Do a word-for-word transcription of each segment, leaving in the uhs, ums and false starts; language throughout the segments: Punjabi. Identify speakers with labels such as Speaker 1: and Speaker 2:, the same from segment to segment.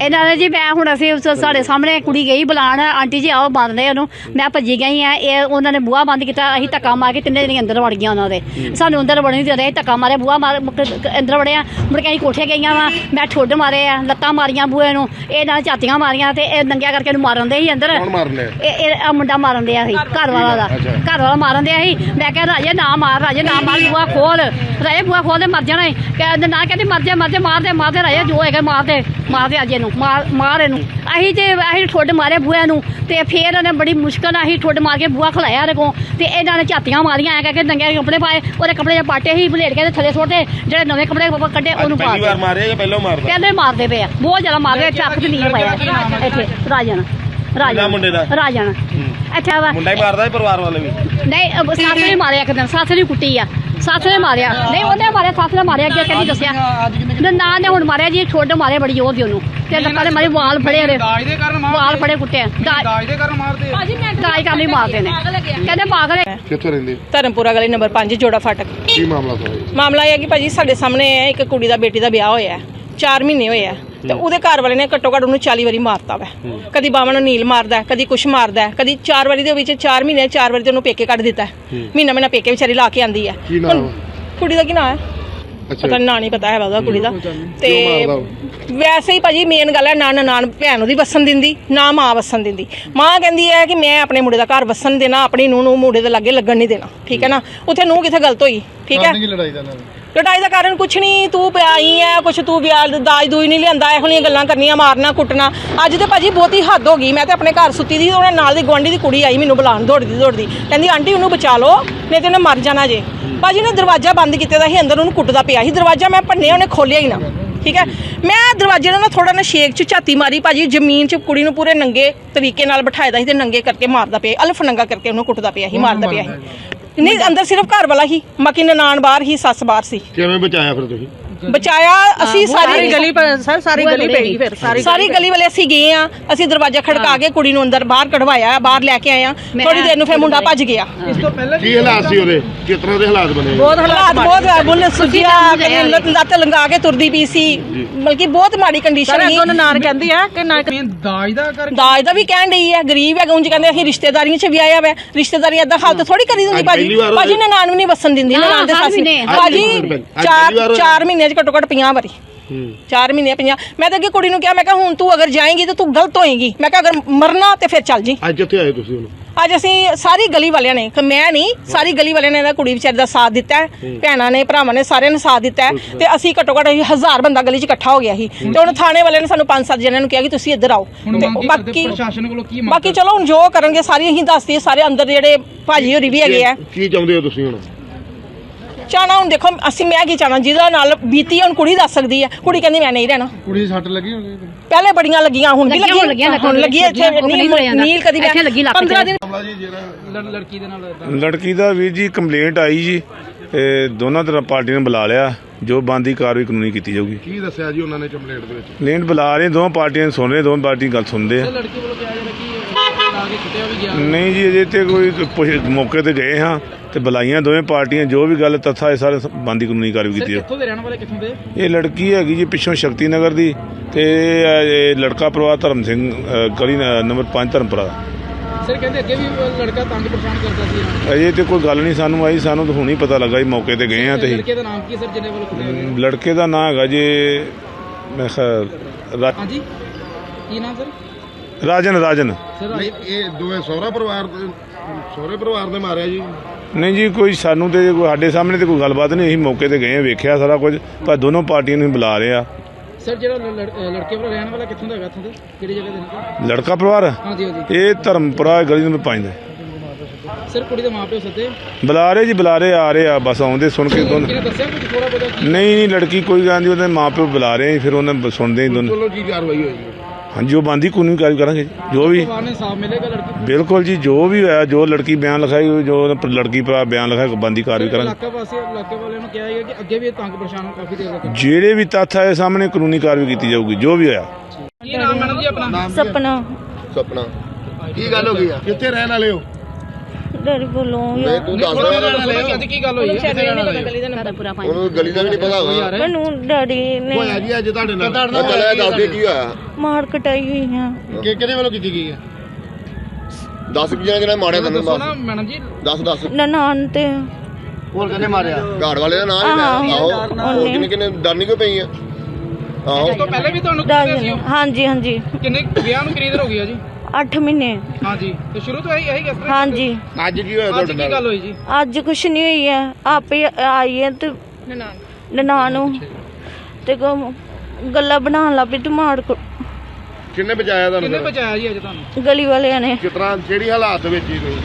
Speaker 1: ਇਹਨਾਂ ਨੇ ਜੀ ਮੈਂ ਹੁਣ ਅਸੀਂ ਸਾਡੇ ਸਾਹਮਣੇ ਕੁੜੀ ਗਈ ਬੁਲਾਉਣ ਆਂਟੀ ਜੀ ਆਓ ਬੰਦ ਨੇ ਉਹਨੂੰ ਮੈਂ ਭੱਜੀ ਗਈ ਆ ਇਹ ਉਹਨਾਂ ਨੇ ਬੂਹਾ ਬੰਦ ਕੀਤਾ ਅਸੀਂ ਧੱਕਾ ਮਾਰ ਕੇ ਤਿੰਨੇ ਜਣੇ ਅੰਦਰ ਵੜ ਗਈਆਂ ਉਹਨਾਂ ਦੇ ਸਾਨੂੰ ਅੰਦਰ ਵੜਨ ਨਹੀਂ ਦੇ ਰਹੇ ਧੱਕਾ ਮਾਰਿਆ ਬੂਹਾ ਮਾਰ ਅੰਦਰ ਵੜਿਆ ਮੁੜ ਕੇ ਅਸੀਂ ਕੋਠੇ ਗਈਆਂ ਵਾ ਮੈਂ ਠੁੱਡ ਮਾਰੇ ਆ ਲੱਤਾਂ ਮਾਰੀਆਂ ਬੂਹੇ ਨੂੰ ਇਹ ਨਾਲ ਝਾਤੀਆਂ ਮਾਰੀਆਂ ਤੇ ਇਹ ਨੰਗਿਆ ਕਰਕੇ ਇਹਨੂੰ ਮਾਰਨ ਦੇ ਸੀ ਅੰਦਰ ਇਹ ਇਹ ਮੁੰਡਾ ਮਾਰਨ ਦਿਆ ਸੀ ਘਰ ਵਾਲਾ ਦਾ ਘਰ ਵਾਲਾ ਮਾਰਨ ਦਿਆ ਸੀ ਮੈਂ ਕਿਹਾ ਰਾਜੇ ਨਾ ਮਾਰ ਰਾਜੇ ਨਾ ਮਾਰ ਬੂਹਾ ਖੋਲ ਰਾਜੇ ਬੂਹਾ ਖੋਲ ਦੇ ਮਰ ਜਾਣਾ ਕਹਿੰਦੇ ਨਾ ਕਹਿੰਦੀ ਮਰ ਜਾ ਮਰ ਜਾ ਮਾਰ ਦੇ ਮਾਰ ਦੇ ਰਾਜੇ ਜੋ ਹੈਗਾ ਮਾਰ ਦੇ ਮਾਰ ਦੇ ਅੱਜ ਇਹਨੂੰ ਮਾਰ ਮਾਰ ਇਹਨੂੰ ਅਸੀਂ ਤੇ ਅਸੀਂ ਠੁੱਡ ਮਾਰੇ ਬੂਹੇ ਨੂੰ ਤੇ ਫਿਰ ਉਹਨੇ ਬੜੀ ਮੁਸ਼ਕਲ ਨਾਲ ਅਸੀਂ ਠੁੱਡ ਮਾਰ ਕੇ ਬੂਹਾ ਖਲਾਇਆ ਉਹਦੇ ਕੋਲ ਤੇ ਇਹਨਾਂ ਨੇ ਝਾਤੀਆਂ ਮਾਰੀਆਂ ਐ ਕਰਕੇ ਨੰਗੇ ਕੱਪੜੇ ਪਾਏ ਉਹਦੇ ਕੱਪੜੇ ਦੇ ਪਾਟੇ ਹੀ ਬਲੇਡ ਕੇ ਥੱਲੇ ਸੁੱਟੇ ਜਿਹੜੇ ਨਵੇਂ ਕੱਪੜੇ ਕੱਢੇ ਉਹਨੂੰ ਪਾ
Speaker 2: ਪਹਿਲੀ ਵਾਰ ਮਾਰਿਆ ਜਾਂ ਪਹਿਲਾਂ ਮਾਰਦਾ ਕਹਿੰਦੇ
Speaker 1: ਮਾਰਦੇ ਪਏ ਆ ਬਹੁਤ ਜ਼ਿਆਦਾ ਮਾਰਦੇ ਚੱਕ ਤੇ ਨਹੀਂ ਪਾਇਆ ਇੱਥੇ ਰਾਜਨ ਰਾਜਨ
Speaker 2: ਮੁੰਡੇ ਦਾ ਰਾਜਨ
Speaker 1: ਅੱਛਾ ਵਾ
Speaker 2: ਮੁੰਡਾ ਹੀ ਮਾਰਦਾ ਪਰਿਵਾਰ ਵਾਲੇ ਵੀ
Speaker 1: ਨਹੀਂ ਸੱਸ ਨੇ ਮਾਰਿਆ ਇੱਕ ਦਿਨ ਸੱਸ ਨੇ ਕੁੱਟੀ ਆ ਸੱਸ ਨੇ ਮਾਰਿਆ ਨਹੀਂ ਉਹਨੇ ਮਾਰਿਆ ਸੱਸ ਨੇ ਮਾਰਿਆ ਅੱਗੇ ਕਹਿੰਦੀ ਦੱਸਿਆ ਨਾ ਨੇ ਹੁਣ ਮਾਰਿਆ ਜੀ ਠੁੱਡ ਮਾਰਿਆ ਬੜੀ ਜ਼ੋਰ ਦੀ ਉਹਨੂੰ ਤੇ ਲੱਤਾਂ ਦੇ ਮਾਰੇ ਵਾਲ ਫੜੇ ਉਹਦੇ ਵਾਲ ਫੜੇ ਕੁੱਟੇ ਦਾਜ ਦੇ ਕਾਰਨ ਮਾਰਦੇ ਦਾਜ ਕਾਰਨ ਹੀ ਮਾਰਦੇ ਨੇ ਕਹਿੰਦੇ ਪਾਗਲ ਹੈ।
Speaker 3: ਕਿੱਥੋਂ ਰਹਿੰਦੇ?
Speaker 4: ਧਰਮਪੁਰਾ ਗਲੀ ਨੰਬਰ ਪੰਜ ਜੋੜਾ ਫਾਟਕ।
Speaker 3: ਕੀ ਮਾਮਲਾ ਸਾਰਾ?
Speaker 4: ਮਾਮਲਾ ਇਹ ਹੈ ਕਿ ਭਾਜੀ ਸਾਡੇ ਸਾਹਮਣੇ ਇੱਕ ਕੁੜੀ ਦਾ ਬੇਟੀ ਦਾ ਵਿਆਹ ਹੋਇਆ ਚਾਰ ਮਹੀਨੇ ਹੋਏ ਆ ਤੇ ਉਹਦੇ ਘਰ ਵਾਲੇ ਨੇ ਘੱਟੋ ਘੱਟ ਉਹਨੂੰ ਚਾਲੀ ਵਾਰੀ ਮਾਰਤਾ ਵਾ ਕਦੀ ਬਾਵਾਂ ਨੂੰ ਨੀਲ ਮਾਰਦਾ ਕਦੀ ਕੁਛ ਮਾਰਦਾ ਕਦੀ ਚਾਰ ਵਾਰੀ ਦੇ ਵਿੱਚ ਚਾਰ ਮਹੀਨੇ ਚਾਰ ਵਾਰੀ ਤੇ ਉਹਨੂੰ ਪੇਕੇ ਕੱਢ ਦਿੱਤਾ ਮਹੀਨਾ ਮਹੀਨਾ ਪੇਕੇ ਵਿਚਾਰੀ ਲਾ ਕੇ ਆਂਦੀ ਹੈ। ਕੁੜੀ ਦਾ ਕੀ ਨਾਂ ਹੈ ਪਤਾ ਨਾਂ ਨਹੀਂ ਪਤਾ ਹੈ ਉਹਦਾ ਕੁੜੀ ਦਾ ਤੇ ਵੈਸੇ ਹੀ ਭਾਜੀ ਮੇਨ ਗੱਲ ਹੈ ਨਾ ਨਾਨ ਭੈਣ ਉਹਦੀ ਵਸਣ ਦਿੰਦੀ ਨਾ ਮਾਂ ਵਸਣ ਦਿੰਦੀ ਮਾਂ ਕਹਿੰਦੀ ਹੈ ਕਿ ਮੈਂ ਆਪਣੇ ਮੁੰਡੇ ਦਾ ਘਰ ਵਸਣ ਦੇਣਾ ਆਪਣੀ ਨੂੰਹ ਨੂੰ ਮੁੰਡੇ ਦੇ ਲਾਗੇ ਲੱਗਣ ਨਹੀਂ ਦੇਣਾ ਠੀਕ ਹੈ ਨਾ ਉੱਥੇ ਨੂੰਹ ਕਿੱਥੇ ਗਲਤ ਹੋਈ ਠੀਕ ਹੈ ਲੜਾਈ ਦਾ ਕਾਰਨ ਕੁਛ ਨਹੀਂ ਤੂੰ ਪਿਆਈ ਹੈ ਕੁਛ ਤੂੰ ਵਿਆਹ ਦਾਜ ਦੂਜ ਨਹੀਂ ਲਿਆਂਦਾ ਇਹੋ ਜਿਹੀਆਂ ਗੱਲਾਂ ਕਰਨੀਆਂ ਮਾਰਨਾ ਕੁੱਟਣਾ ਅੱਜ ਤੇ ਭਾਜੀ ਬਹੁਤੀ ਹੱਦ ਹੋ ਗਈ ਮੈਂ ਤੇ ਆਪਣੇ ਘਰ ਸੁੱਤੀ ਦੀ ਉਹਨੇ ਨਾਲ ਦੀ ਗੁਆਂਢੀ ਦੀ ਕੁੜੀ ਆਈ ਮੈਨੂੰ ਬੁਲਾਉਣ ਦੌੜਦੀ ਦੌੜਦੀ ਕਹਿੰਦੀ ਆਂਟੀ ਉਹਨੂੰ ਬਚਾ ਲਓ ਨਹੀਂ ਤੇ ਉਹਨੇ ਮਰ ਜਾਣਾ ਜੇ ਭਾਜੀ ਨੇ ਦਰਵਾਜ਼ਾ ਬੰਦ ਕੀਤੇ ਦਾ ਸੀ ਅੰਦਰ ਉਹਨੂੰ ਕੁੱਟਦਾ ਪਿਆ ਸੀ ਦਰਵਾਜ਼ਾ ਮੈਂ ਭੰਨਿਆ ਉਹਨੇ ਖੋਲਿਆ ਹੀ ਨਾ ਠੀਕ ਹੈ ਮੈਂ ਦਰਵਾਜ਼ੇ ਨਾਲ ਥੋੜਾ ਨਾ ਸ਼ੇਕ ਚ ਝਾਤੀ ਮਾਰੀ ਭਾਜੀ ਜ਼ਮੀਨ ਚ ਕੁੜੀ ਨੂੰ ਪੂਰੇ ਨੰਗੇ ਤਰੀਕੇ ਨਾਲ ਬਿਠਾਇਦਾ ਸੀ ਤੇ ਨੰਗੇ ਕਰਕੇ ਮਾਰਦਾ ਪਿਆ ਅਲਫ ਨੰਗਾ ਕਰਕੇ ਉਹਨੂੰ ਕੁੱਟਦਾ ਪਿਆ ਸੀ ਮਾਰਦਾ ਪਿਆ ਸੀ ਨਹੀਂ ਅੰਦਰ ਸਿਰਫ ਘਰ ਵਾਲਾ ਹੀ ਬਾਕੀ ਨਨਾਣ ਬਾਹਰ ਹੀ ਸੱਸ ਬਾਹਰ ਸੀ
Speaker 3: ਕਿਵੇਂ ਬਚਾਇਆ ਫਿਰ ਤੁਸੀਂ
Speaker 4: ਬਚਾਇਆ ਅਸੀਂ ਸਾਰੀ ਗਲੀ ਸਰ ਸਾਰੀ ਗਲੀ ਪੈ ਗਈ ਫਿਰ ਸਾਰੀ ਸਾਰੀ ਗਲੀ ਵਾਲੇ ਅਸੀਂ ਗਏ ਆ ਅਸੀਂ ਦਰਵਾਜ਼ਾ ਖੜਕਾ ਕੇ ਕੁੜੀ ਨੂੰ ਅੰਦਰ ਬਾਹਰ ਕਢਵਾਇਆ ਬਾਹਰ ਲੈ ਕੇ ਆਏ ਆ ਥੋੜੀ ਦੇਰ ਨੂੰ ਫਿਰ ਮੁੰਡਾ ਭੱਜ ਗਿਆ ਇਸ ਤੋਂ ਪਹਿਲਾਂ
Speaker 3: ਕੀ ਹਾਲਾਤ ਸੀ ਉਹਦੇ ਕਿਸ ਤਰ੍ਹਾਂ ਦੇ ਹਾਲਾਤ ਬਣੇ
Speaker 4: ਬਹੁਤ ਹਾਲਾਤ ਬਹੁਤ ਬੁੱਲ ਸੁਜਿਆ ਲੱਤ ਲੰਗਾ ਕੇ ਤੁਰਦੀ ਪਈ ਸੀ ਬਲਕਿ ਬਹੁਤ ਮਾੜੀ ਕੰਡੀਸ਼ਨ ਸੀ ਉਹਨਾਂ ਨਾਰ ਕਹਿੰਦੀ ਆ ਕਿ ਨਾ ਦਾਜ ਦਾ ਕਰ ਦਾਜ ਦਾ ਵੀ ਕਹਿਣ ਡਈ ਹੈ ਗਰੀਬ ਹੈ ਉਂਝ ਕਹਿੰਦੇ ਅਸੀਂ ਰਿਸ਼ਤੇਦਾਰੀਆਂ 'ਚ ਵੀ ਆਇਆ ਵਾ ਰਿਸ਼ਤੇਦਾਰੀ ਏਦਾਂ ਹਾਲਤ ਥੋੜੀ ਕਰੀ ਦਿੰਦੀ ਭਾਜੀ ਭਾਜੀ ਨੇ ਨਾਨ ਵੀ ਨਹੀਂ ਵਸਣ ਦਿੰਦੀ ਨਾਨ ਦੇ ਸੱਸ ਭਾਜੀ ਚਾਰ ਚਾਰ ਮਹੀਨੇ ਘੱਟੋ ਘੱਟ ਪੰਜਾਹ ਵਾਰੀ ਚਾਰ ਮਹੀਨੇ ਪੰਜਾਹ ਮੈਂ ਤਾਂ ਅੱਗੇ ਕੁੜੀ ਨੂੰ ਕਿਹਾ ਮੈਂ ਕਿਹਾ ਹੁਣ ਤੂੰ ਅਗਰ ਜਾਏਂਗੀ ਤਾਂ ਤੂੰ ਗਲਤ ਹੋਏਗੀ ਮੈਂ ਕਿਹਾ ਅਗਰ ਮਰਨਾ ਤੇ ਫਿਰ ਚੱਲ ਜੀ
Speaker 3: ਅੱਜ ਕਿੱਥੇ ਆਏ ਤੁਸੀਂ ਹੁਣ
Speaker 4: ਅੱਜ ਅਸੀਂ ਸਾਰੀ ਗਲੀ ਵਾਲਿਆਂ ਨੇ ਮੈਂ ਨਹੀਂ ਸਾਰੀ ਗਲੀ ਵਾਲਿਆਂ ਨੇ ਇਹਦਾ ਕੁੜੀ ਵਿਚਾਰੀ ਦਾ ਸਾਥ ਦਿੱਤਾ ਹੈ ਭੈਣਾਂ ਨੇ ਭਰਾਵਾਂ ਨੇ ਸਾਰਿਆਂ ਨੇ ਸਾਥ ਦਿੱਤਾ ਹੈ ਤੇ ਅਸੀਂ ਘੱਟੋ ਘੱਟ ਹਜ਼ਾਰ ਬੰਦਾ ਗਲੀ 'ਚ ਇਕੱਠਾ ਹੋ ਗਿਆ ਸੀ ਤੇ ਹੁਣ ਥਾਣੇ ਵਾਲਿਆਂ ਨੇ ਸਾਨੂੰ ਪੰਜ ਸੱਤ ਜਣਿਆਂ ਨੂੰ ਕਿਹਾ ਕਿ ਤੁਸੀਂ ਇੱਧਰ ਆਓ ਤੇ ਬਾਕੀ ਬਾਕੀ ਚਲੋ ਹੁਣ ਜੋ ਕਰਨਗੇ ਸਾਰੀ ਅਸੀਂ ਦੱਸਦੀ ਸਾਰੇ ਅੰਦਰ ਜਿਹੜੇ ਭਾਜੀ ਹੋਰੀ ਵੀ ਹੈਗੇ ਆ
Speaker 3: ਕੀ ਚਾਹੁੰਦੇ ਹੋ ਤੁਸੀਂ ਹੁਣ
Speaker 4: ਚਾਹਣਾ ਹੁਣ ਦੇਖੋ ਅਸੀਂ ਮੈਂ ਕੀ ਚਾਹਣਾ ਜਿਹਦਾ ਨਾਲ ਬੀਤੀ ਹੁਣ ਕੁੜੀ ਦੱਸ ਸਕਦੀ ਹੈ ਕੁੜੀ ਕਹਿੰਦੀ ਮੈਂ ਨਹੀਂ ਰਹਿਣਾ
Speaker 3: ਕੁੜੀ ਦੀ ਸੱਟ ਲੱਗੀ ਹੋਣੀ
Speaker 4: ਪਹਿਲੇ ਬੜੀਆਂ ਲੱਗੀਆਂ ਹੁਣ ਵੀ ਲੱਗੀਆਂ ਹੁਣ ਲੱਗੀ ਇੱਥੇ ਨੀਲ ਕਦੀ ਪੰਦਰਾਂ ਦਿਨ
Speaker 2: ਲੜਕੀ ਦੇ ਨਾਲ
Speaker 5: ਲੜਕੀ ਦਾ ਵੀਰ ਜੀ ਕੰਪਲੇਂਟ ਆਈ ਜੀ ਦੋਨਾਂ ਤਰ੍ਹਾਂ ਪਾਰਟੀ ਨੇ ਬੁਲਾ ਲਿਆ ਜੋ ਬੰਦੀ ਕਾਰਵਾਈ ਕਾਨੂੰਨੀ ਕੀਤੀ ਜਾਊਗੀ।
Speaker 3: ਕੀ ਦੱਸਿਆ ਜੀ ਉਹਨਾਂ ਨੇ ਕੰਪਲੇਂਟ ਦੇ ਵਿੱਚ?
Speaker 5: ਕੰਪਲੇਂਟ ਬੁਲਾ ਰਹੇ ਦੋਵਾਂ ਪਾਰਟੀਆਂ ਨੂੰ ਸੁਣ ਰਹੇ ਦੋਵਾਂ ਪਾਰਟੀ ਗੱਲ ਸੁਣਦੇ ਆ। ਨਹੀਂ ਜੀ ਅਜੇ ਤੇ ਕੋਈ ਮੌਕੇ ਤੇ ਗਏ ਹਾਂ ਤੇ ਬੁਲਾਈਆਂ ਦੋਵੇਂ ਪਾਰਟੀਆਂ ਜੋ ਵੀ ਗੱਲ ਤੱਥਾ ਇਹ ਸਾਰੇ ਬੰਦੀ ਕਾਨੂੰਨੀ ਕਾਰਵਾਈ ਕੀਤੀ ਹੈ। ਇਹ ਲੜਕੀ ਹੈਗੀ ਜੀ ਪਿੱਛੋਂ ਸ਼ਕਤੀ ਨਗਰ ਦੀ ਤੇ ਲੜਕਾ ਪਰਿਵਾਰ ਧਰਮ ਸਿੰਘ ਗਲੀ ਨੰਬਰ ਪੰਜ ਧਰਮਪੁਰਾ ਦਾ।
Speaker 2: ਸਰ ਕਹਿੰਦੇ ਅੱਗੇ ਵੀ ਲੜਕਾ ਤੰਗ ਪਰੇਸ਼ਾਨ ਕਰਦਾ ਸੀ।
Speaker 5: ਅਜੇ ਤੇ ਕੋਈ ਗੱਲ ਨਹੀਂ ਸਾਨੂੰ ਆਈ ਸਾਨੂੰ ਤਾਂ ਹੁਣੀ ਪਤਾ ਲੱਗਾ ਜੀ ਮੌਕੇ ਤੇ ਗਏ ਆ ਤੇ
Speaker 2: ਲੜਕੇ ਦਾ ਨਾਮ ਕੀ ਸਰ ਜਿਹਨੇ ਵੱਲੋਂ ਕੁੱਟਿਆ ਗਿਆ?
Speaker 5: ਲੜਕੇ ਦਾ ਨਾਮ ਹੈਗਾ ਜੀ ਮੈਂ ਖਿਆਲ
Speaker 2: ਹਾਂਜੀ ਕੀ ਨਾਮ ਸਰ?
Speaker 5: ਰਾਜਨ ਰਾਜਨ
Speaker 3: ਨਹੀਂ ਇਹ ਦੋਵੇਂ ਸਹੁਰਾ ਪਰਿਵਾਰ ਦੇ ਸਹੁਰੇ ਪਰਿਵਾਰ ਦੇ ਮਾਰਿਆ ਜੀ?
Speaker 5: ਨਹੀਂ ਜੀ ਕੋਈ ਸਾਨੂੰ ਤੇ ਕੋਈ ਸਾਡੇ ਸਾਹਮਣੇ ਤੇ ਕੋਈ ਗੱਲਬਾਤ ਨਹੀਂ ਅਸੀਂ ਮੌਕੇ ਤੇ ਗਏ ਵੇਖਿਆ ਸਾਰਾ ਕੁਝ ਪਰ ਦੋਨੋਂ ਪਾਰਟੀਆਂ ਨੂੰ ਬੁਲਾ ਰਹੇ ਆ।
Speaker 2: ਸਰ ਜਿਹੜਾ ਲੜਕੇ ਵਾਲਾ ਰਹਿਣ ਵਾਲਾ ਕਿੱਥੋਂ ਦਾ ਹੈਗਾ ਇੱਥੋਂ ਦੇ ਕਿਹੜੀ ਜਗ੍ਹਾ ਦੇ?
Speaker 5: ਲੜਕਾ ਪਰਿਵਾਰ
Speaker 2: ਹਾਂਜੀ ਹਾਂਜੀ
Speaker 5: ਇਹ ਧਰਮਪੁਰਾ ਗਲੀ ਨੰਬਰ ਪੰਜ ਦਾ।
Speaker 2: ਸਰ ਕੁੜੀ ਦੇ ਮਾਪਿਓ ਸੱਦੇ
Speaker 5: ਬੁਲਾ ਰਹੇ ਜੀ ਬੁਲਾ ਰਹੇ ਆ ਰਹੇ ਆ ਬਸ ਆਉਂਦੇ ਸੁਣ ਕੇ ਦੋਨੋਂ।
Speaker 2: ਦੱਸਿਆ ਕੁਝ ਥੋੜਾ ਬਹੁਤਾ?
Speaker 5: ਨਹੀਂ ਨਹੀਂ ਲੜਕੀ ਕੋਈ ਗੱਲ ਨਹੀਂ ਉਹਦੇ ਮਾਪਿਓ ਬੁਲਾ ਰਹੇ ਫਿਰ ਉਹਨਾਂ ਸੁਣਦੇ ਹੀ ਦੋਨੋਂ।
Speaker 3: ਚਲੋ ਕੀ ਕਾਰਵਾਈ ਹੋਈ?
Speaker 5: ਹਾਂਜੀ ਉਹ ਬੰਦੀ ਕਾਨੂੰਨੀ ਕਾਰਵਾਈ ਕਰਾਂਗੇ ਜੋ ਵੀ
Speaker 2: ਮਿਲੇਗਾ ਲੜਕੀ
Speaker 5: ਬਿਲਕੁਲ ਜੀ ਜੋ ਵੀ ਹੋਇਆ ਜੋ ਲੜਕੀ ਬਿਆਨ ਲਿਖਾਈ ਜੋ ਲੜਕੀ ਭਰਾ ਬਿਆਨ ਲਿਖਾਇਆ ਬੰਦੀ ਕਾਰਵਾਈ ਕਰਾਂਗੇ।
Speaker 2: ਇਲਾਕਾ ਵਾਸੀ ਇਲਾਕੇ ਵਾਲਿਆਂ ਨੂੰ ਕਿਹਾ ਹੈ ਕਿ ਅੱਗੇ ਵੀ ਤੰਗ ਪਰੇਸ਼ਾਨ ਕਾਫੀ ਦੇਰ ਤੱਕ
Speaker 5: ਜਿਹੜੇ ਵੀ ਤੱਥ ਆਏ ਸਾਹਮਣੇ ਕਾਨੂੰਨੀ ਕਾਰਵਾਈ ਕੀਤੀ ਜਾਊਗੀ ਜੋ ਵੀ ਹੋਇਆ।
Speaker 2: ਕੀ ਨਾਮ ਮੈਡਮ ਜੀ ਆਪਣਾ?
Speaker 4: ਸਪਨਾ।
Speaker 3: ਸਪਨਾ ਕੀ ਗੱਲ ਹੋ ਗਈ ਆ? ਕਿੱਥੇ ਰਹਿਣ ਵਾਲੇ ਹੋ?
Speaker 6: ਡੈਡੀ ਕੋਲੋਂ
Speaker 3: ਨਹੀਂ ਤੂੰ ਦੱਸ ਰਿਹਾ
Speaker 2: ਅੱਜ ਕੀ ਗੱਲ ਹੋਈ ਹੈ
Speaker 1: ਸਾਡਾ ਪੂਰਾ ਪੰਜ
Speaker 3: ਉਹਨੂੰ ਗਲੀ ਦਾ ਵੀ ਨਹੀਂ ਪਤਾ ਹੋਗਾ
Speaker 6: ਮੈਨੂੰ ਡੈਡੀ ਨੇ
Speaker 3: ਹੋਇਆ ਜੀ ਅੱਜ ਤੁਹਾਡੇ ਨਾਲ ਚੱਲਿਆ ਦੱਸ ਦੇ ਕੀ ਹੋਇਆ
Speaker 6: ਮਾਰ ਕਟਾਈ ਹੋਈ ਆ
Speaker 3: ਕਿ ਕਿਹਦੇ ਵੱਲੋਂ ਕੀਤੀ ਗਈ ਹੈ ਦੱਸ ਕਿ ਜਿਹੜਾ ਮਾਰਿਆ ਤੈਨੂੰ
Speaker 2: ਦੱਸੋ ਨਾ ਮੈਡਮ ਜੀ।
Speaker 3: ਦੱਸ ਦੱਸ
Speaker 6: ਨਨਾਣ ਤੇ
Speaker 3: ਹੋਰ ਕਿਹਨੇ ਮਾਰਿਆ ਘਾੜ ਵਾਲੇ ਦਾ ਨਾਮ ਹੀ ਆਹੋ ਹੋਰ ਕਿੰਨੇ ਕਿੰਨੇ ਡਰਨੀ ਕਿਉਂ ਪਈ ਆ ਆਹੋ
Speaker 2: ਇਸ ਤੋਂ ਪਹਿਲੇ ਵੀ ਤੁਹਾਨੂੰ ਕੁੱਟਿਆ ਸੀ ਉਹ?
Speaker 6: ਹਾਂਜੀ ਹਾਂਜੀ
Speaker 2: ਕਿੰਨੇ ਵਿਆਹ ਨੂੰ ਕਿੰਨੀ ਦੇਰ ਹੋ ਗਈ ਆ ਜੀ?
Speaker 6: ਅੱਠ ਮਹੀਨੇ
Speaker 2: ਹਾਂਜੀ ਤੇ ਸ਼ੁਰੂ ਤੋਂ ਇਹੀ ਇਹੀ ਕਿਸ ਤਰ੍ਹਾਂ
Speaker 6: ਹਾਂਜੀ
Speaker 3: ਅੱਜ ਕੀ ਹੋਇਆ
Speaker 2: ਅੱਜ
Speaker 3: ਤੁਹਾਡੇ
Speaker 2: ਕੀ
Speaker 3: ਨਾਲ
Speaker 2: ਗੱਲ ਹੋਈ ਜੀ?
Speaker 6: ਅੱਜ ਕੁਛ ਨਹੀਂ ਹੋਈ ਹੈ ਆਪੇ ਆਈ ਹੈ ਤੇ ਨਨਾਣ ਨੂੰ ਤੇ ਗ- ਗੱਲਾਂ ਬਣਾਉਣ ਲੱਗ ਪਈ ਤੇ ਮਾਰ ਕੁ-
Speaker 3: ਕਿੰਨੇ ਬਚਾਇਆ
Speaker 2: ਕਿੰਨੇ
Speaker 3: ਤੁਹਾਨੂੰ
Speaker 2: ਬਚਾਇਆ ਜੀ ਅੱਜ ਤੁਹਾਨੂੰ?
Speaker 6: ਗਲੀ ਵਾਲਿਆਂ ਨੇ
Speaker 3: ਕਿਸ ਤਰ੍ਹਾਂ ਕਿਹੜੀ ਹਾਲਾਤ ਵਿੱਚ ਹੀ ਤੁਸੀਂ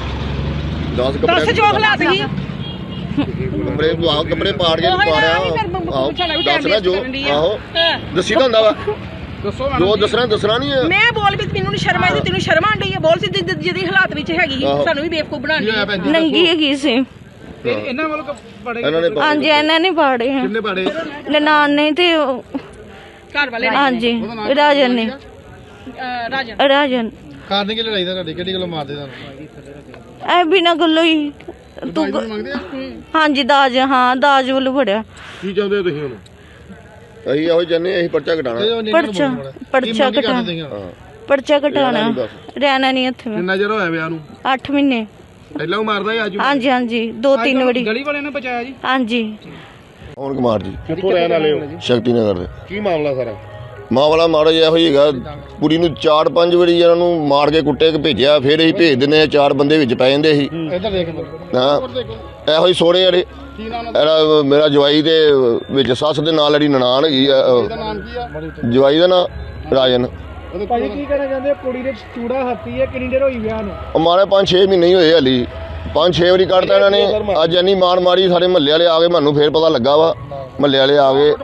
Speaker 3: ਦਸ ਕੱਪੜੇ
Speaker 4: ਦੱਸ ਜੋ ਹਾਲਾਤ ਸੀ
Speaker 3: ਕੱਪੜੇ ਆਹੋ ਕੱਪੜੇ ਪਾੜ ਕੇ ਮਾਰਿਆ ਆਹੋ ਦੱਸ ਨਾ ਜੋ ਆਹੋ ਦੱਸੀ ਤਾਂ ਹੁੰਦਾ ਵਾ
Speaker 2: ਦੱਸੋ
Speaker 3: ਜੋ
Speaker 2: ਮੈਡਮ ਜੀ।
Speaker 3: ਦੱਸਣਾ ਦੱਸਣਾ ਨਹੀਂ ਹੈ
Speaker 4: ਮੈਂ ਬੋਲ ਵੀ ਮੈਨੂੰ ਨਹੀਂ ਸ਼ਰਮ ਆਈ ਤੈਨੂੰ ਸ਼ਰਮ ਆਂਦੀ ਹੈ ਬੋਲ ਸੀ ਜਿ- ਜਿਹਦੀ ਹਾਲਾਤ ਵਿੱਚ ਹੈਗੀ ਸੀ,
Speaker 3: ਆਹੋ।
Speaker 4: ਸਾਨੂੰ ਵੀ ਬੇਵਕੂਫ ਬਣਾ ਲਈ
Speaker 6: ਨੰਗੀ ਹੈਗੀ ਸੀ
Speaker 2: ਤੇ ਇਹਨਾਂ ਵੱਲੋਂ ਕ- ਪੜੇ
Speaker 3: ਇਹਨਾਂ ਨੇ
Speaker 6: ਹਾਂਜੀ ਇਹਨਾਂ ਨੇ ਪਾੜੇ ਆ
Speaker 3: ਕਿੰਨੇ ਪਾੜੇ
Speaker 6: ਨਨਾਣ ਨੇ ਤੇ ਉਹ-
Speaker 4: ਘਰ ਵਾਲੇ
Speaker 6: ਹਾਂਜੀ ਰਾਜਨ ਨੇ
Speaker 4: ਅਹ, ਰਾਜਨ
Speaker 6: ਰਾਜਨ
Speaker 3: ਕਾਰਨ ਕੀ ਲੜਾਈ ਦਾ ਤੁਹਾਡੀ ਕਿਹੜੀ ਗੱਲੋਂ ਮਾਰਦੇ ਤੁਹਾਨੂੰ
Speaker 6: ਐ ਬਿਨਾ ਗੱਲੋਂ ਹੀ ਤੂੰ ਗ-
Speaker 3: ਮੰਗਦੇ ਆ
Speaker 6: ਹਾਂਜੀ ਦਾਜ ਹਾਂ ਦਾਜ ਵੱਲੋਂ ਫੜਿਆ
Speaker 3: ਕੀ ਚਾਹੁੰਦੇ ਹੋ ਤੁਸੀਂ ਹੁਣ ਅਸੀਂ ਇਹੋ ਚਾਹੁੰਦੇ ਅਸੀਂ ਪਰਚਾ ਘਟਾਣਾ
Speaker 6: ਪਰਚਾ ਪਰਚਾ ਕਟਾ
Speaker 3: ਹਾਂ
Speaker 6: ਪਰਚਾ ਕਟਾਣਾ ਰਹਿਣਾ ਨਹੀਂ ਇੱਥੇ ਮੈਂ
Speaker 3: ਕਿੰਨਾ ਚਿਰ ਹੋਇਆ ਵਿਆਹ ਨੂੰ
Speaker 6: ਅੱਠ ਮਹੀਨੇ
Speaker 3: ਪਹਿਲਾਂ ਉਹ ਮਾਰਦਾ ਸੀ ਅੱਜ
Speaker 6: ਹਾਂਜੀ ਹਾਂਜੀ ਦੋ ਤਿੰਨ ਵਾਰੀ
Speaker 2: ਗਲੀ ਵਾਲਿਆਂ ਨੇ ਬਚਾਇਆ ਜੀ?
Speaker 6: ਹਾਂਜੀ
Speaker 3: ਪਵਨ ਕੁਮਾਰ ਜੀ ਕਿੱਥੋਂ ਰਹਿਣ ਵਾਲੇ ਹੋ ਸ਼ਕਤੀ ਨਗਰ ਦੇ ਕੀ ਮਾਮਲਾ ਸਾਰਾ ਮਾਮਲਾ ਮਾੜਾ ਜਿਹਾ ਹੋਈ ਹੈਗਾ ਕੁੜੀ ਨੂੰ ਚਾਰ ਪੰਜ ਵਾਰੀ ਇਹਨਾਂ ਨੂੰ ਮਾਰ ਕੇ ਕੁੱਟੇ ਕੇ ਭੇਜਿਆ ਫਿਰ ਅਸੀਂ ਭੇਜ ਦਿੰਦੇ ਆ ਚਾਰ ਬੰਦੇ ਵਿੱਚ ਪੈ ਜਾਂਦੇ ਸੀ
Speaker 2: ਇੱਧਰ ਦੇਖ
Speaker 3: ਹਾਂ ਇਹੋ ਹੀ ਸੋਹਣੇ ਵਾਲੇ ਇਹਦਾ ਮੇਰਾ ਜਵਾਈ ਦੇ ਵਿੱਚ ਸੱਸ ਦੇ ਨਾਲ ਜਿਹੜੀ ਨਨਾਣ ਹੈਗੀ ਆ ਅਹ, ਜਵਾਈ ਦਾ ਨਾਂ ਰਾਜਨ
Speaker 2: ਭਾਜੀ ਕੀ ਕਹਿਣਾ ਚਾਹੁੰਦੇ ਹੋ? ਕੁੜੀ ਦੇ ਚੂੜਾ ਹੱਥੀ ਹੈ, ਕਿੰਨੀ ਦੇਰ ਹੋਈ ਵਿਆਹ ਨੂੰ?
Speaker 3: ਉਹ ਮਾਰੇ ਪੰਜ ਛੇ ਮਹੀਨੇ ਹੀ ਹੋਏ ਹਲੀ ਪੰਜ ਛੇ ਵਾਰੀ ਕੱਢਤਾ ਇਹਨਾਂ ਨੇ ਅੱਜ ਇੰਨੀ ਮਾਰ ਮਾਰੀ ਸਾਰੇ ਮਹੱਲੇ ਵਾਲੇ ਆ ਗਏ ਮੈਨੂੰ ਫੇਰ ਪਤਾ ਲੱਗਾ ਵਾ ਮਹੱਲੇ ਵਾਲੇ ਆ ਗਏ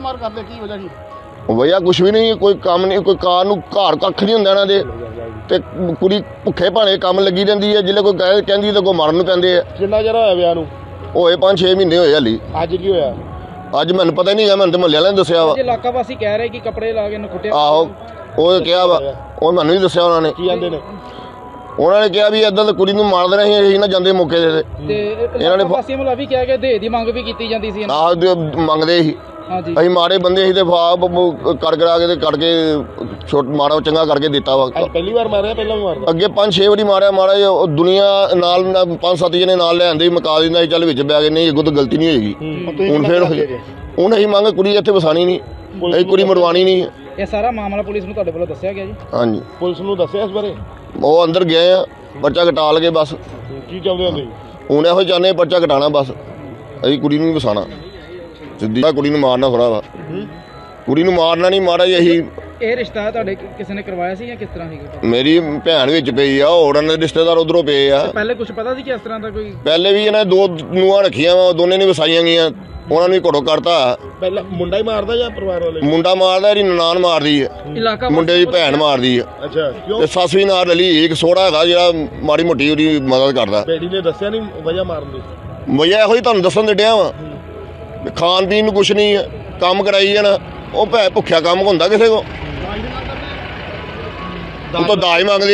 Speaker 3: ਵਜ੍ਹਾ ਕੁਛ ਵੀ ਨਹੀਂ ਕੋਈ ਕੰਮ ਨਹੀਂ ਕੋਈ ਕਾਰ ਨੂੰ ਘਰ ਕੱਖ ਨਹੀਂ ਹੁੰਦਾ ਇਹਨਾਂ ਦੇ ਤੇ ਕੁੜੀ ਭੁੱਖੇ ਭਾਣੇ ਕੰਮ ਲੱਗੀ ਰਹਿੰਦੀ ਹੈ ਜਿੱਲੇ ਕੋਈ ਕਹਿ ਕਹਿੰਦੀ ਤਾਂ ਕੋਈ ਮਰਨ ਨੂੰ ਪੈਂਦੇ ਆ
Speaker 2: ਕਿੰਨਾ ਚਿਰ ਹੋਇਆ ਵਿਆਹ ਨੂੰ?
Speaker 3: ਹੋਏ ਪੰਜ ਛੇ ਮਹੀਨੇ ਹੋਏ ਹਲੀ
Speaker 2: ਅੱਜ ਕੀ ਹੋਇਆ?
Speaker 3: ਅੱਜ ਮੈਨੂੰ ਪਤਾ ਹੀ ਨਹੀਂ ਹੈ ਮੈਨੂੰ ਤੇ ਮਹੱਲੇ ਵਾਲਿਆਂ ਨੇ ਦੱਸਿਆ ਵਾ
Speaker 2: ਜੇ ਇਲਾਕਾ ਵਾਸੀ ਕਹਿ ਰਹੇ ਕਿ ਕੱਪੜੇ ਲਾ ਕੇ ਇਹਨੂੰ ਕੁੱਟਿਆ।
Speaker 3: ਆਹੋ ਉਹ ਕਿਹਾ ਵਾ ਉਹ ਮੈਨੂੰ ਨਹੀਂ ਦੱਸਿਆ ਉਹਨਾਂ ਨੇ
Speaker 2: ਕੀ ਆਂਦੇ ਨੇ?
Speaker 3: ਉਹਨਾਂ ਨੇ ਕਿਹਾ ਵੀ ਏਦਾਂ ਤਾਂ ਕੁੜੀ ਨੂੰ ਮਾਰ ਦੇਣਾ ਸੀ ਅਸੀਂ ਨਾ ਜਾਂਦੇ ਮੌਕੇ ਤੇ
Speaker 2: ਤੇ
Speaker 3: ਇਹਨਾਂ ਨੇ
Speaker 2: ਵਾਸੀਆਂ ਵੱਲੋਂ ਵੀ ਕਿਹਾ ਕਿ ਦੇ ਦੀ ਮੰਗ ਵੀ ਕੀਤੀ ਜਾਂਦੀ ਸੀ ਇਹਨਾਂ।
Speaker 3: ਆਹ ਦੇ ਮੰਗਦੇ ਸੀ
Speaker 2: ਹਾਂਜੀ
Speaker 3: ਅਸੀਂ ਮਾਰੇ ਬੰਦੇ ਸੀ ਤੇ ਫਾਪ ਕਰ ਕਰਾ ਕੇ ਤੇ ਕੱਢ ਕੇ ਛੋਟ ਮਾਰਾ ਚੰਗਾ ਕਰਕੇ ਦਿੱਤਾ ਵਾ
Speaker 2: ਪਹਿਲੀ ਵਾਰ ਮਾਰਿਆ ਪਹਿਲਾਂ ਵੀ ਮਾਰਦਾ?
Speaker 3: ਅੱਗੇ ਪੰਜ ਛੇ ਵਾਰੀ ਮਾਰਿਆ ਮਾਰਾ ਜਿਹਾ, ਉਹ ਦੁਨੀਆ ਨਾਲ ਨਾ ਪੰਜ ਸੱਤ ਜਣੇ ਨਾਲ ਲੈ ਆਂਦੇ ਮਕਾ ਦਿੰਦਾ ਸੀ ਚੱਲ ਵਿੱਚ ਬੈ ਗਏ ਨਹੀਂ ਅੱਗੋਂ ਤਾਂ ਗਲਤੀ ਨਹੀਂ ਹੋਏਗੀ ਹੁਣ ਫੇਰ ਹੋਈ ਹੁਣ ਅਸੀਂ ਮੰਗ ਕੁੜੀ ਇੱਥੇ ਵਸਾਣੀ ਨਹੀਂ ਅਸੀਂ ਕੁੜੀ ਮਰਵਾਣੀ ਨਹੀਂ
Speaker 2: ਇਹ ਸਾਰਾ ਮਾਮਲਾ ਪੁਲਿਸ ਨੂੰ ਤੁਹਾਡੇ ਵੱਲੋਂ ਦੱਸਿਆ ਗਿਆ ਜੀ?
Speaker 3: ਹਾਂਜੀ
Speaker 2: ਪੁਲਿਸ ਨੂੰ ਦੱਸਿਆ ਇਸ ਬਾਰੇ?
Speaker 3: ਉਹ ਅੰਦਰ ਗਏ ਆ ਪਰਚਾ ਕਟਾ ਲਗੇ ਬਸ
Speaker 2: ਕੀ ਚਾਹੁੰਦੇ ਹੋ ਤੁਸੀਂ?
Speaker 3: ਹੁਣ ਇਹੋ ਚਾਹੁੰਦੇ ਪਰਚਾ ਕਟਾਣਾ ਬਸ ਅਸੀਂ ਕੁੜੀ ਨੂੰ ਵੀ ਵਸਾਣਾ ਸਿੱਧੀ ਕੁੜੀ ਨੂੰ ਮਾਰਨਾ ਥੋੜਾ ਵਾ ਕੁੜੀ ਨੂੰ ਮਾਰਨਾ ਨਹੀਂ ਮਾਰਾ ਜੀ ਅਸੀਂ
Speaker 2: ਇਹ ਰਿਸ਼ਤਾ ਤੁਹਾਡੇ ਕਿ- ਕਿਸੇ ਨੇ ਕਰਵਾਇਆ ਸੀ ਜਾਂ ਕਿਸ ਤਰ੍ਹਾਂ ਸੀਗਾ?
Speaker 3: ਮੇਰੀ ਭੈਣ ਵਿੱਚ ਪਈ ਆ ਹੋਰ ਉਹਨਾਂ ਦੇ ਰਿਸ਼ਤੇਦਾਰ ਉਧਰੋਂ ਪਏ ਆ
Speaker 2: ਪਹਿਲੇ ਕੁਝ ਪਤਾ ਸੀ ਕਿ ਇਸ ਤਰ੍ਹਾਂ ਦਾ ਕੋਈ?
Speaker 3: ਪਹਿਲੇ ਵੀ ਇਹਨਾਂ ਦੋ ਨੂੰਹਾਂ ਰੱਖੀਆਂ ਵਾ ਦੋਨੇ ਨੇ ਵਸਾਈਆਂ ਗਈਆਂ ਉਹਨਾਂ ਨੂੰ ਵੀ ਘੜੋ ਕਰਤਾ
Speaker 2: ਪਹਿਲਾਂ ਮੁੰਡਾ ਹੀ ਮਾਰਦਾ ਜਾਂ ਪਰਿਵਾਰ ਵਾਲੇ?
Speaker 3: ਮੁੰਡਾ ਮਾਰਦਾ ਇਹਦੀ ਨਨਾਣ ਮਾਰਦੀ ਆ
Speaker 2: ਇਲਾਕਾ
Speaker 3: ਮੁੰਡੇ ਦੀ ਭੈਣ ਮਾਰਦੀ ਆ
Speaker 2: ਅੱਛਾ ਕਿਉਂ?
Speaker 3: ਤੇ ਸੱਸ ਵੀ ਨਾਲ ਰਲੀ ਇੱਕ ਸੋਹਰਾ ਹੈਗਾ ਜਿਹੜਾ ਮਾੜੀ ਮੋਟੀ ਉਹਦੀ ਮਦਦ ਕਰਦਾ
Speaker 2: ਬੇਟੀ ਨੇ ਦੱਸਿਆ ਨਹੀਂ ਵਜ੍ਹਾ ਮਾਰਨ ਦੀ?
Speaker 3: ਵਜ੍ਹਾ ਇਹੋ ਹੀ ਤੁਹਾਨੂੰ ਦੱਸਣ ਦੇ ਡਿਆ ਵਾ ਖਾਣ ਪੀਣ ਨੂੰ ਕੁਛ ਨਹੀਂ ਆ ਕੰਮ ਕਰਾਈ ਜਾਣਾ ਉਹ ਭੈ ਭੁੱਖਿਆ ਕੰਮ ਹੁੰਦਾ ਕਿਸੇ ਕੋ ਉਹ ਤਾਂ ਦਾਜ ਮੰਗਦੇ